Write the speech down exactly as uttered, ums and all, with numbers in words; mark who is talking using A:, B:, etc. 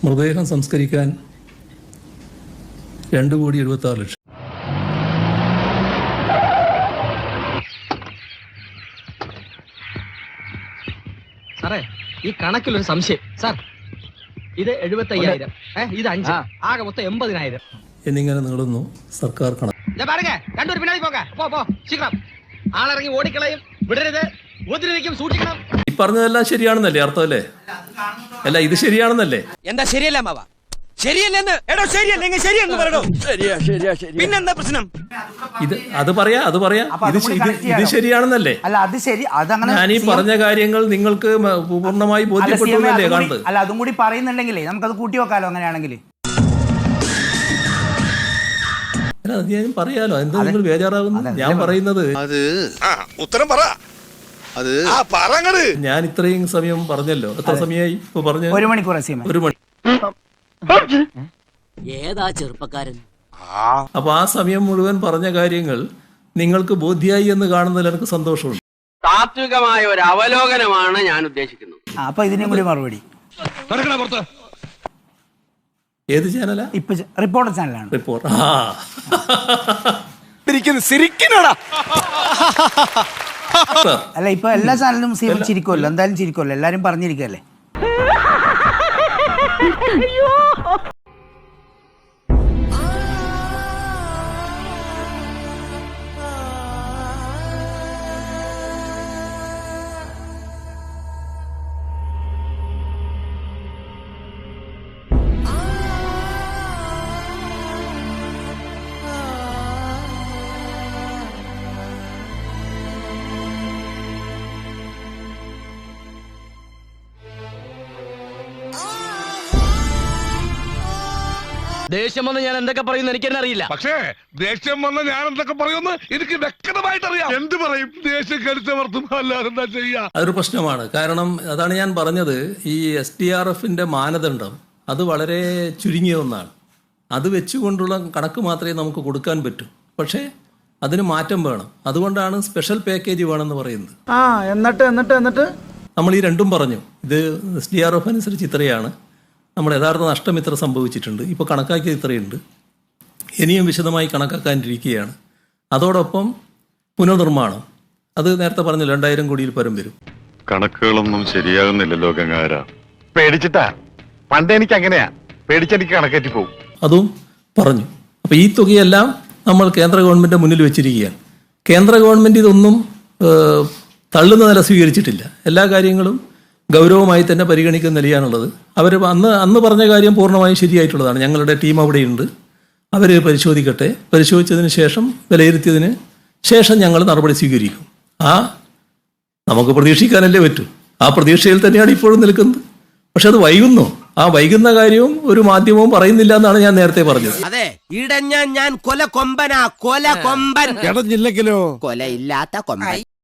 A: മൃതദേഹം സംസ്കരിക്കാൻ രണ്ട് കോടി എഴുപത്തി ആറ് ലക്ഷം.
B: സാറേ, ഈ കണക്കിലൊരു സംശയം. സാർ, ഇത് എഴുപത്തി അയ്യായിരം, ഇത് അഞ്ച്, ആകെ മൊത്തം എൺപതിനായിരം
A: എന്നിങ്ങനെ നീളുന്നു സർക്കാർ കണക്ക്.
B: രണ്ടൊരു പിന്നാടി പോകാം. പോ പോ ശീഘ്രം. ആളിറങ്ങി ഓടിക്കളയും, വിടരുത്, ഉപദ്രവിക്കും, സൂക്ഷിക്കണം.
A: ഈ പറഞ്ഞതെല്ലാം ശരിയാണെന്നല്ലേ അർത്ഥമല്ലേ? അല്ല, ഇത് ശരിയാണെന്നല്ലേ?
C: എന്താ ശരിയല്ല മാവ? ശരിയല്ലെന്ന് എടോ, ശരിയല്ലെങ്കിൽ ശരിയെന്ന് പറയണോ? ശരിയാ ശരിയാ ശരി. പിന്നെന്താ പ്രശ്നം?
A: ഇത് അത് പറയാ അത് പറയാ ഇത് ഇത് ശരിയാണെന്നല്ലേ?
D: അല്ല, അത് ശരി. അതങ്ങനെ
A: ഞാൻ ഈ പറഞ്ഞ കാര്യങ്ങൾ നിങ്ങൾക്ക് പൂർണ്ണമായി ബോധ്യപ്പെട്ടല്ലേ കാണുന്നത്?
D: അല്ല, അതും കൂടി പറയുന്നുണ്ടെങ്കിലേ നമുക്കത് കൂട്ടി വെക്കാലോ അങ്ങനെയാണെങ്കിൽ.
A: അത് ഞാൻ പറയാലോ, എന്താ നിങ്ങൾ ബേജാറാകുന്നു? ഞാൻ പറയുന്നത്
E: അത് ഉത്തരം പറ. അത്
A: ഞാൻ ഇത്രയും സമയം പറഞ്ഞല്ലോ. എത്ര സമയമായി ഇപ്പൊ പറഞ്ഞു?
D: ഒരു മണിക്കൂർ.
A: ഒരു മണി.
C: ഏതാ ചെറുപ്പക്കാരൻ?
A: അപ്പൊ ആ സമയം മുഴുവൻ പറഞ്ഞ കാര്യങ്ങൾ നിങ്ങൾക്ക് ബോധ്യായി എന്ന് കാണുന്നതിൽ എനിക്ക് സന്തോഷമുണ്ട്.
F: താത്വികമായ ഒരു അവലോകനമാണ് ഞാൻ ഉദ്ദേശിക്കുന്നത്.
D: അപ്പൊ ഇതിനും കൂടി മറുപടി.
A: ഏത് ചാനലാ?
D: ഇപ്പൊ റിപ്പോർട്ടർ ചാനലാണ്.
A: റിപ്പോർട്ടർ.
D: അല്ല, ഇപ്പൊ എല്ലാ ചാനലും ചിരിക്കുമല്ലോ, എന്തായാലും ചിരിക്കുമല്ലോ, എല്ലാരും പറഞ്ഞിരിക്കല്ലേ.
B: ദേഷ്യം വന്ന് ഞാൻ എന്തൊക്കെ പറയുന്നു എനിക്കെന്നെ അറിയില്ല.
G: പക്ഷേ ദേഷ്യം വന്ന് ഞാൻ എന്തൊക്കെ പറയുമെന്ന് എനിക്ക് വ്യക്തമായിട്ട് അറിയാം. എന്ത് പറയും? ദേഷ്യം കരുത്തമർത്തും, അല്ലാതെ എന്താ ചെയ്യാ?
A: അതൊരു പ്രശ്നമാണ്. കാരണം അതാണ് ഞാൻ പറഞ്ഞത്, ഈ എസ് ഡി ആർ എഫിന്റെ മാനദണ്ഡം അത് വളരെ ചുരുങ്ങിയ ഒന്നാണ്. അത് വെച്ചുകൊണ്ടുള്ള കണക്ക് മാത്രമേ നമുക്ക് കൊടുക്കാൻ പറ്റൂ. പക്ഷേ അതിന് മാറ്റം വേണം. അതുകൊണ്ടാണ് സ്പെഷ്യൽ പാക്കേജ് വേണമെന്ന് പറയുന്നത്.
D: ആ എന്നിട്ട് എന്നിട്ട് എന്നിട്ട്
A: നമ്മൾ ഈ രണ്ടും പറഞ്ഞു. ഇത് എസ് ഡി ആർ എഫ് അനുസരിച്ച് ഇത്രയാണ്, നമ്മുടെ യഥാർത്ഥ നഷ്ടം ഇത്ര സംഭവിച്ചിട്ടുണ്ട്, ഇപ്പോൾ കണക്കാക്കിയത് ഇത്രയുണ്ട്, ഇനിയും വിശദമായി കണക്കാക്കാനിരിക്കുകയാണ്. അതോടൊപ്പം പുനർനിർമ്മാണം, അത് നേരത്തെ പറഞ്ഞു രണ്ടായിരം കോടിയിൽ പരം വരും.
E: കണക്കുകളൊന്നും ശരിയാകുന്നില്ലല്ലോ ഗംഗാര. പേടിച്ചിട്ടാ? പണ്ട് എനിക്ക് അങ്ങനെയാ, പേടിച്ചെനിക്ക് കണക്കേറ്റി പോകും.
A: അതും പറഞ്ഞു. അപ്പോൾ ഈ തുകയെല്ലാം നമ്മൾ കേന്ദ്ര ഗവൺമെൻറ് മുന്നിൽ വെച്ചിരിക്കുകയാണ്. കേന്ദ്ര ഗവൺമെൻറ് ഇതൊന്നും തള്ളുന്ന നില സ്വീകരിച്ചിട്ടില്ല. എല്ലാ കാര്യങ്ങളും ഗൗരവമായി തന്നെ പരിഗണിക്കുന്ന നിലയാണുള്ളത്. അവർ അന്ന് അന്ന് പറഞ്ഞ കാര്യം പൂർണ്ണമായും ശരിയായിട്ടുള്ളതാണ്. ഞങ്ങളുടെ ടീം അവിടെയുണ്ട്, അവർ പരിശോധിക്കട്ടെ. പരിശോധിച്ചതിന് ശേഷം വിലയിരുത്തിയതിന് ശേഷം ഞങ്ങൾ നടപടി സ്വീകരിക്കും. ആ നമുക്ക് പ്രതീക്ഷിക്കാനല്ലേ പറ്റൂ. ആ പ്രതീക്ഷയിൽ തന്നെയാണ് ഇപ്പോഴും നിൽക്കുന്നത്. പക്ഷെ അത് വൈകുന്നു. ആ വൈകുന്ന കാര്യവും ഒരു മാധ്യമവും പറയുന്നില്ല എന്നാണ് ഞാൻ നേരത്തെ പറഞ്ഞത്.
C: അതെ, ഇടഞ്ഞ ഞാൻ കൊല കൊമ്പനാ, കൊല കൊമ്പൻ.
G: ഇടഞ്ഞില്ലെങ്കിലോ?
C: കൊലയില്ലാത്ത കൊമ്പൻ.